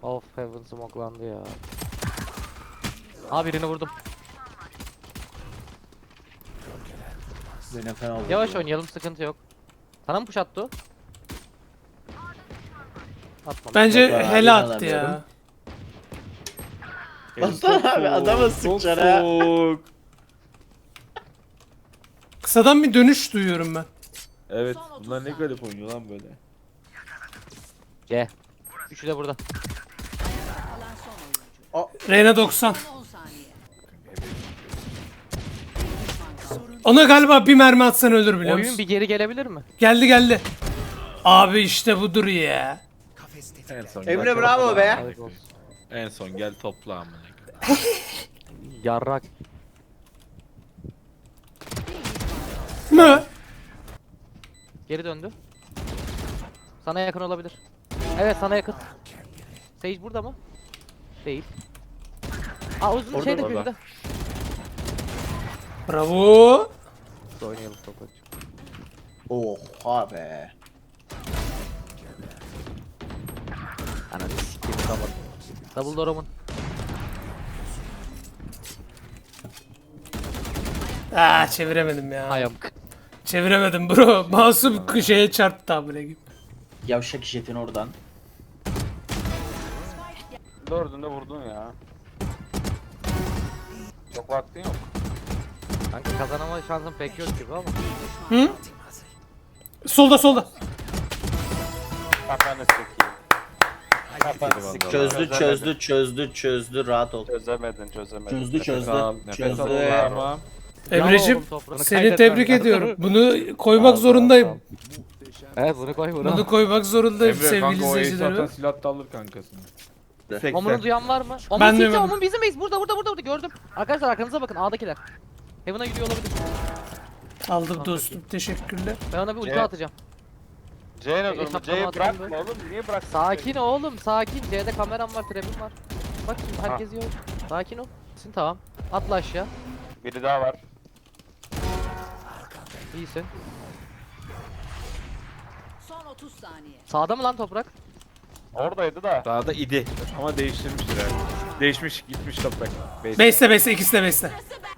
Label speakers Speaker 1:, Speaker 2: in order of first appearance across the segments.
Speaker 1: Of, Heaven smokelandı ya. Aa, birini vurdum.
Speaker 2: Zeynep fena oldu.
Speaker 1: Yavaş oynayalım, sıkıntı yok. Sana mı push attı o? Atmadı.
Speaker 3: Bence
Speaker 2: Yok, ben
Speaker 3: hele
Speaker 2: abi
Speaker 3: attı ya.
Speaker 2: inanamıyorum. Baksana abi adama sıkacaksın ha.
Speaker 4: Soğuk.
Speaker 3: Kısadan bir dönüş duyuyorum ben.
Speaker 4: Evet, bunlar ne garip oynuyor lan böyle.
Speaker 1: C. Üçü de burada.
Speaker 5: Kalan son oyuncu.
Speaker 3: Reyna 90.
Speaker 5: 10 saniye.
Speaker 3: Ona galiba bir mermi atsan ölür biliyor
Speaker 1: Oyun
Speaker 3: musun?
Speaker 1: bir geri gelebilir mi?
Speaker 3: Geldi geldi. Abi işte budur ya.
Speaker 4: En son
Speaker 2: Emre
Speaker 4: gel
Speaker 2: bravo
Speaker 4: topla.
Speaker 2: be.
Speaker 1: Hadi olsun.
Speaker 4: En son gel topla amına.
Speaker 1: Yarrak.
Speaker 3: Mı?
Speaker 1: Geri döndü. Sana yakın olabilir. Evet, sana yakın. Sage burada mı? Değil. Aa, uzun
Speaker 2: Orada,
Speaker 1: şeyde
Speaker 4: orada.
Speaker 1: köyde.
Speaker 3: Bravo.
Speaker 1: Oynayalım topu.
Speaker 2: Oha be.
Speaker 1: Ananı sikeyim, tamam. Double door'umun.
Speaker 3: Aa çeviremedim ya.
Speaker 1: Ayam.
Speaker 3: Çeviremedim bro. Masum şeye çarptı amına gibi.
Speaker 2: Yavşak jetin oradan.
Speaker 6: Dördünde vurdun ya. Çok vaktin yok.
Speaker 1: Kanka kazanama şansın pek yok gibi ama.
Speaker 3: Hı? Solda solda.
Speaker 6: Kafanı sikeyim. Kafanı sikeyim.
Speaker 2: Çözdü rahat ol.
Speaker 6: Çözemedin.
Speaker 2: Çözdü.
Speaker 4: Nefes al
Speaker 2: Çözdü.
Speaker 4: tamam.
Speaker 3: Emre'cim
Speaker 1: oğlum, toprağını
Speaker 3: seni
Speaker 1: kaybetmem
Speaker 3: tebrik
Speaker 1: lazım.
Speaker 3: ediyorum. Bunu koymak zorundayım.
Speaker 1: Evet, bunu koy bunu.
Speaker 3: Bunu koymak zorundayım
Speaker 4: Emre
Speaker 3: sevgili
Speaker 4: kanka o ace atan
Speaker 3: izleyicilerim.
Speaker 4: silah da alır kankasını. 80.
Speaker 1: Omun'u duyan var mı? Omun
Speaker 3: Ben
Speaker 1: CT,
Speaker 3: duymadım.
Speaker 1: Omun bizim base. Burada gördüm. Arkadaşlar arkanıza bakın, A'dakiler. Heaven'a gidiyor olabilir.
Speaker 3: Aldım dostum teşekkürler.
Speaker 1: Ben ona bir ulti
Speaker 6: Evet.
Speaker 1: atacağım.
Speaker 6: C'ye ne durma?
Speaker 1: Hesaplama
Speaker 6: C'yi
Speaker 1: atayım
Speaker 6: bırakma oğlum. Niye bırak?
Speaker 1: Sakin oğlum, sakin. C'de kameram var, trap'im var. Bak şimdi herkes yiyor. Sakin ol. Tamam. Atla aşağı.
Speaker 6: Biri daha var.
Speaker 1: İyisin.
Speaker 5: Son 30 saniye.
Speaker 1: Sağda mı lan toprak?
Speaker 6: Oradaydı da.
Speaker 4: Daha da idi. Ama değiştirmiştir herhalde. Değişmiş gitmiş toprak. Base.
Speaker 3: Beste ikisi de beste.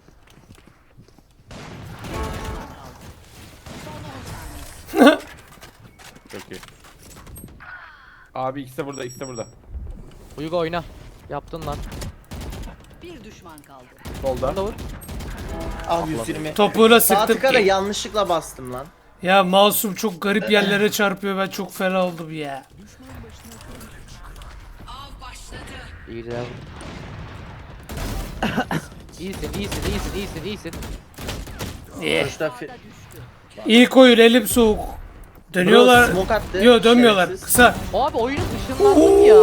Speaker 4: Çok iyi. Abi ikisi de burada, ikisi de burada.
Speaker 1: Uygu oyna. Yaptın lan.
Speaker 5: Bir düşman kaldı.
Speaker 4: Solda.
Speaker 1: Bunu da vur.
Speaker 2: Al 120.
Speaker 3: Topuğuna
Speaker 2: Sağ
Speaker 3: sıktım
Speaker 2: tıka da
Speaker 3: ki.
Speaker 2: yanlışlıkla bastım lan.
Speaker 3: Ya masum çok garip yerlere çarpıyor ben çok fena oldum ya.
Speaker 1: İyi de. iyisin.
Speaker 2: Sonuçta
Speaker 3: İlk oyun elim soğuk. Dönüyorlar.
Speaker 2: Smoke attı.
Speaker 3: Yo dönmüyorlar.
Speaker 2: Şerefsiz.
Speaker 3: Kısa.
Speaker 1: Abi oyunun ışınlandım ya.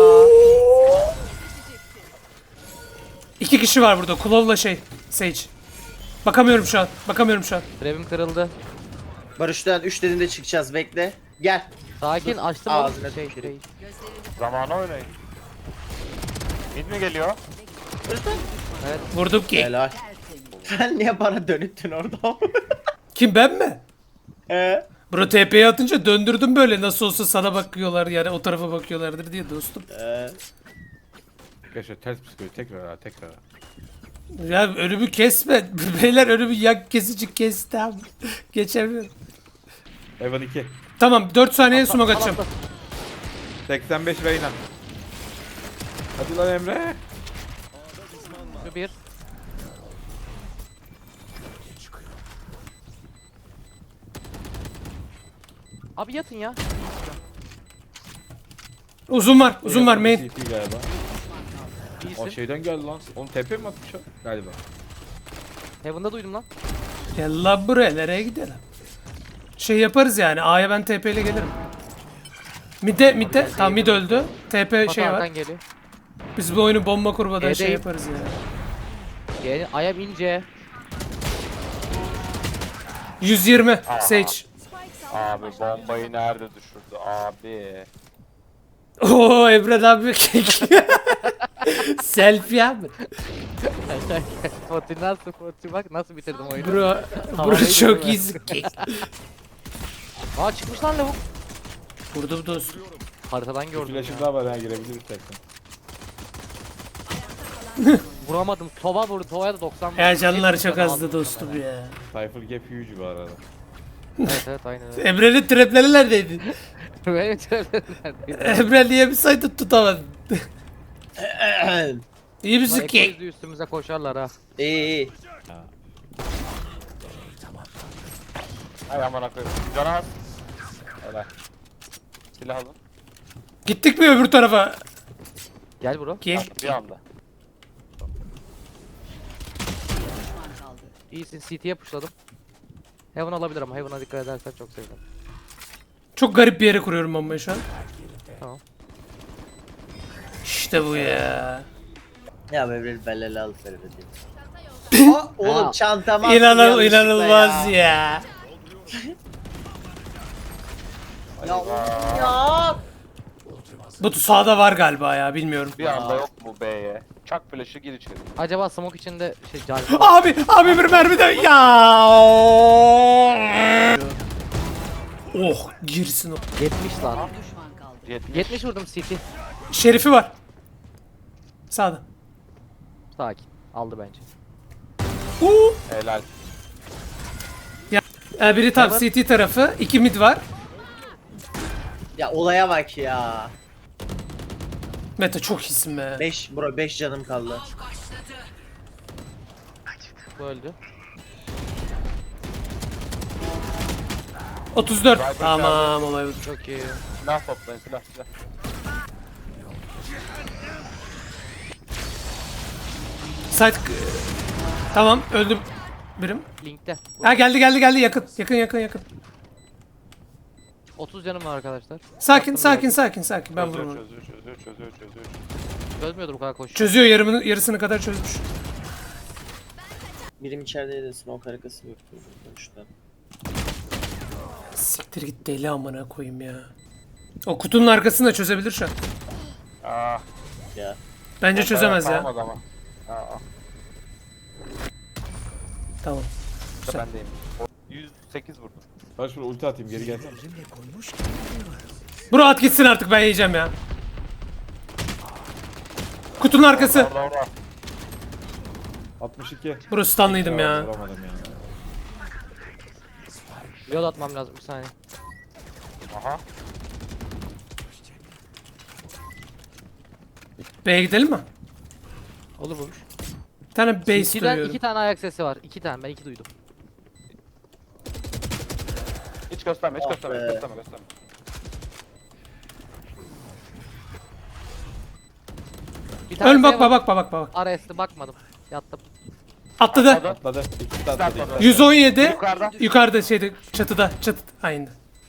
Speaker 3: İki kişi var burada. Kulov'la Sage. Bakamıyorum şu an.
Speaker 1: Trap'im kırıldı.
Speaker 2: Barış'tan 3 dediğinde çıkacağız bekle. Gel.
Speaker 1: Sakin, açtım
Speaker 2: Ağzına
Speaker 1: oğlum.
Speaker 2: tüküreyim.
Speaker 6: Zamanı oynayın. Mid mi geliyor?
Speaker 3: Vurdum ki.
Speaker 2: Helal. Sen niye bana dönüttün orada?
Speaker 3: Kim ben mi?
Speaker 2: Ee?
Speaker 3: Bro TP'ye atınca döndürdüm böyle nasıl olsa sana bakıyorlar yani o tarafa bakıyorlardır diye dostum.
Speaker 4: Arkadaşlar ters psikoloji tekrar.
Speaker 3: Ya önümü kesme. Beyler önümü yak kesici kesti abi. Geçemiyorum.
Speaker 4: Evan 2.
Speaker 3: Tamam 4 saniye smoke atacağım.
Speaker 4: 85 Reyna. Hadi lan Emre.
Speaker 1: Şu bir. Abi yatın ya.
Speaker 3: Uzun var main.
Speaker 4: CT galiba. O
Speaker 1: İyisin.
Speaker 4: şeyden geldi lan. Onu tepe mi atmış o? Galiba.
Speaker 1: Heaven'da duydum lan.
Speaker 3: Gel lan buraya nereye gidelim? Şey yaparız yani A'ya ben TP ile gelirim. Mid'de tamam mid öldü. TP
Speaker 1: Bak
Speaker 3: şey var.
Speaker 1: arkan geliyor.
Speaker 3: Biz bu oyunu bomba kurmadan şey
Speaker 1: E'deyim.
Speaker 3: yaparız ya.
Speaker 1: Gel, ayağım ince.
Speaker 3: 120 Sage.
Speaker 6: Abi bombayı nerede düşürdü abi?
Speaker 3: Oo Emre abi selfie abi.
Speaker 1: Fortune nasıl Fortune, bak nasıl bitirdim oyunu.
Speaker 3: Bro
Speaker 1: Havadaydı
Speaker 3: çok
Speaker 1: değil mi?
Speaker 3: iyisin ki.
Speaker 1: Aa, çıkmış lan lavuk.
Speaker 3: Vurdum dostum.
Speaker 1: Haritadan
Speaker 4: Bir
Speaker 1: gördüm
Speaker 4: flash'ım
Speaker 1: ya.
Speaker 4: daha var ha girebilir istersen.
Speaker 1: Vuramadım. Tova vurdu. Tova'ya da 90
Speaker 3: Ya canlar
Speaker 1: Hepsi
Speaker 3: çok
Speaker 1: canı
Speaker 3: azdı
Speaker 1: aldı
Speaker 3: dostum
Speaker 1: muhtemelen.
Speaker 3: ya.
Speaker 4: Cypher gap huge bu arada.
Speaker 1: Evet evet aynen öyle.
Speaker 3: Emre'nin trapleri neredeydi?
Speaker 1: Benim söyledim.
Speaker 3: Emre niye bir saydı tutamadın? İyi misin
Speaker 1: Eko
Speaker 3: ki?
Speaker 1: yüzü üstümüze koşarlar ha.
Speaker 2: İyi.
Speaker 6: Ay aman koyayım. Canı az. Helal. Silah alın.
Speaker 3: Gittik mi öbür tarafa?
Speaker 1: Gel bro.
Speaker 3: Ki.
Speaker 6: Bir anda.
Speaker 5: Düşman kaldı.
Speaker 1: İyisin CT'ye pushladım. Heaven alabilir ama Heaven'a dikkat edersen çok sevdim.
Speaker 3: Çok garip bir yere kuruyorum bombayı şu an.
Speaker 1: Tamam.
Speaker 3: İşte bu ya.
Speaker 2: Ya böyle belli al Feride. Aa, oğlum
Speaker 1: Ha.
Speaker 2: çantama attım yanlışlıkla
Speaker 3: İnanılmaz ya.
Speaker 2: Ya oğlum ya.
Speaker 3: Bu sağda var galiba ya bilmiyorum.
Speaker 6: Bir anda yok mu B'ye? Çak flash'ı gir içeri.
Speaker 1: Acaba smoke içinde şey cari.
Speaker 3: Abi bir mermi de ya. Oh girsin o.
Speaker 1: 70 lan.
Speaker 5: Bir düşman kaldı.
Speaker 6: 70.
Speaker 1: 70 vurdum CT.
Speaker 3: Şerifi var. Sağda.
Speaker 1: Sakin. Aldı bence.
Speaker 6: Helal.
Speaker 3: Biri tam
Speaker 1: Evet.
Speaker 3: CT tarafı. 2 mid var.
Speaker 2: Ya olaya bak ya.
Speaker 3: Mete çok iyisin be.
Speaker 2: 5 canım kaldı.
Speaker 1: Bu öldü.
Speaker 3: 34.
Speaker 6: Viper
Speaker 3: Tamam olay bu.
Speaker 1: Çok iyi.
Speaker 6: Silah toplayın silah.
Speaker 3: Site tamam öldüm birim.
Speaker 1: Linkte.
Speaker 3: Ha geldi yakın.
Speaker 1: 30 canım var arkadaşlar.
Speaker 3: Sakin
Speaker 1: Yaptım
Speaker 3: ben
Speaker 6: Çözüyor,
Speaker 3: vururum.
Speaker 6: çözüyor.
Speaker 1: Çözmüyordur bu kadar koşuyor.
Speaker 3: Çözüyor yarısını kadar çözmüş.
Speaker 2: Birim içerideydi smoke harekası yok. Dönüşten.
Speaker 3: Siktir git deli amına koyayım ya. O kutunun arkasını da çözebilir şu an.
Speaker 6: Ah.
Speaker 2: Ya.
Speaker 3: Bence çözemez ya.
Speaker 6: Kalmadı ama. Aa,
Speaker 3: Tamam.
Speaker 6: işte bendeyim. 108 vurdum.
Speaker 4: Ben şuraya ulti atayım geri gelsene.
Speaker 3: Bro at gitsin artık ben yiyeceğim ya. Kutunun arkası.
Speaker 6: Orada.
Speaker 4: 62.
Speaker 3: Bro stunlıydım ya.
Speaker 4: Vuramadım ya.
Speaker 1: Yol atmam lazım bir saniye.
Speaker 6: Aha.
Speaker 3: B'ye gidelim mi?
Speaker 1: Olur vurmuş.
Speaker 3: Bir tane base
Speaker 1: CT'den
Speaker 3: duyuyorum.
Speaker 1: 2 tane ayak sesi var. 2 tane ben 2 duydum.
Speaker 6: Hiç gösterme, hiç
Speaker 2: Ah
Speaker 6: gösterme,
Speaker 2: be.
Speaker 6: gösterme.
Speaker 1: Bir tane
Speaker 3: Ön
Speaker 1: şey var.
Speaker 3: bak.
Speaker 1: RS'li bakmadım. Yattım.
Speaker 3: Atladı.
Speaker 4: Atladı. İkisi de atladı.
Speaker 6: Atladı.
Speaker 3: 117.
Speaker 6: Yukarıda.
Speaker 3: Yukarıda şeyde çatıda. Aynı.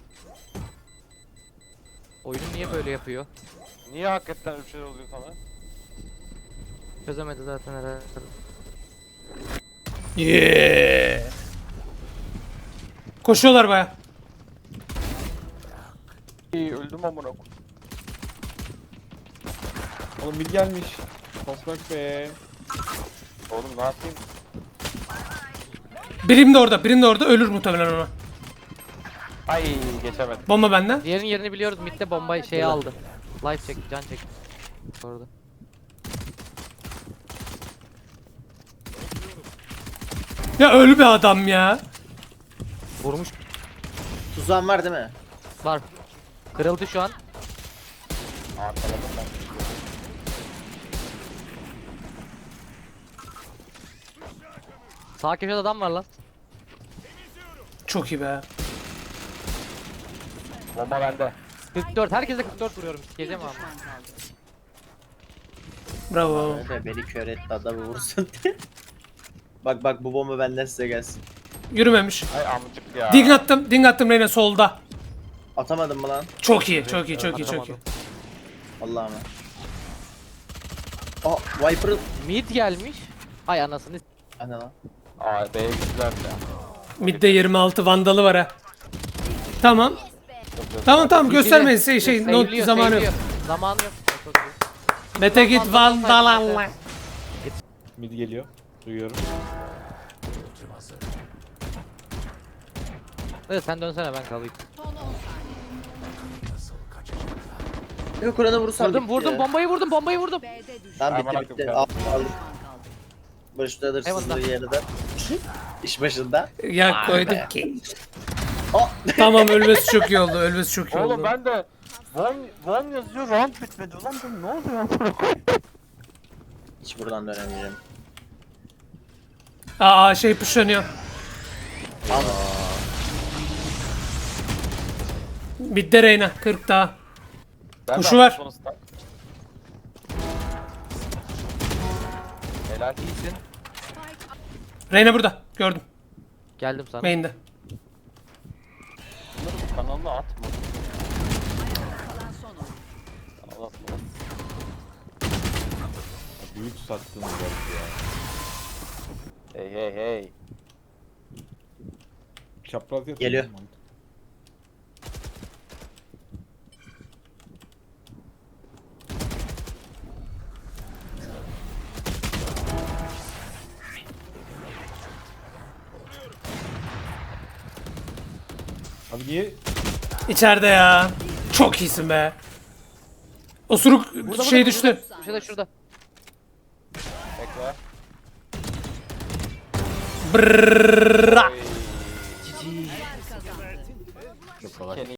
Speaker 1: Oyunu niye böyle yapıyor?
Speaker 6: Niye hakikaten öyle bir şey oluyor sana?
Speaker 1: Çözemedi zaten herhalde.
Speaker 3: Yeah. Koşuyorlar baya.
Speaker 6: İyi, öldüm amına koyayım.
Speaker 4: Oğlum mid gelmiş. Toprak be.
Speaker 6: Oğlum ne yapayım?
Speaker 3: Birim de orada. Ölür muhtemelen ona.
Speaker 6: Ay geçemedim.
Speaker 3: Bomba bende.
Speaker 1: Diğerinin yerini biliyoruz. Mid'de bombayı şeyi aldı. Life çek, can çek. Orada.
Speaker 3: Ya ölü bir adam ya.
Speaker 1: Vurmuş.
Speaker 2: Tuzağın var değil mi?
Speaker 1: Var. Kırıldı şu an.
Speaker 6: Arkaladım ben.
Speaker 1: Sağ köşede adam var lan.
Speaker 3: Çok iyi be.
Speaker 6: Bomba bende.
Speaker 1: 44. Herkese 44 vuruyorum. Sikeceğim
Speaker 5: Bir
Speaker 1: abi.
Speaker 5: düşman kaldı.
Speaker 3: Bravo.
Speaker 2: Öyle beni kör etti adamı vursun diye. Bak bu bomba benden size gelsin.
Speaker 3: Yürümemiş.
Speaker 6: Ay amcık ya.
Speaker 3: Ding attım Reyna solda.
Speaker 2: Atamadım mı lan?
Speaker 3: Çok iyi.
Speaker 2: Allah'ım. Aa Viper'ın...
Speaker 1: Mid gelmiş. Ay anasını.
Speaker 2: Ana lan.
Speaker 6: Aa B'ye gittiler ya.
Speaker 3: Midde 26 vandalı var ha. Tamam. Göstermeyin not
Speaker 1: Save'liyor,
Speaker 3: zamanı yok.
Speaker 1: save'liyor. Zamanı yok. Çok iyi.
Speaker 3: Mete git vandal.
Speaker 4: Mid geliyor. Duyuyorum.
Speaker 1: Evet sen dönsene ben kalayım.
Speaker 5: Son 10 saniye.
Speaker 2: Yok Kur'an'a vurursam
Speaker 1: Vurdum
Speaker 2: bitti
Speaker 1: vurdum
Speaker 2: ya.
Speaker 1: bombayı vurdum bombayı vurdum.
Speaker 5: B'de düştü.
Speaker 2: Tamam
Speaker 6: Aman
Speaker 2: bitti bitti.
Speaker 6: akım
Speaker 2: Aldım.
Speaker 5: Düşman kaldı.
Speaker 2: Barış'ta alırsın
Speaker 1: Eyvallah.
Speaker 2: yerine. İş başında.
Speaker 3: Ya koydum ki.
Speaker 2: Oh.
Speaker 3: Tamam ölmesi çok iyi oldu. Ölmesi çok iyi oldu.
Speaker 6: Oğlum ben de Von yazıyor round bitmedi. Ulan bu ne oluyor?
Speaker 2: Hiç buradan dönemeyeceğim.
Speaker 3: Aa şey pushlanıyor.
Speaker 2: Aldım.
Speaker 3: Midde Reyna 40 daha.
Speaker 6: Ben de
Speaker 3: Kuşu var.
Speaker 6: attım sonuçta. Helal.
Speaker 1: İyisin.
Speaker 3: Reyna burada. Gördüm.
Speaker 1: Geldim sana.
Speaker 3: Main'de.
Speaker 6: Bunları kanalına atma.
Speaker 5: Kalan son oyun.
Speaker 6: Kanala atma.
Speaker 4: Büyük sattığınız var ya.
Speaker 6: Hey hey hey.
Speaker 4: Çapraz yatıyor.
Speaker 2: Geliyor.
Speaker 4: Abi niye?
Speaker 3: İçeride ya. Çok iyisin be. Osuruk şey düştü.
Speaker 1: Şurada şurada.
Speaker 6: Bekle.
Speaker 3: Brrrr.
Speaker 6: Oy.
Speaker 5: Kazandı.
Speaker 6: Kenny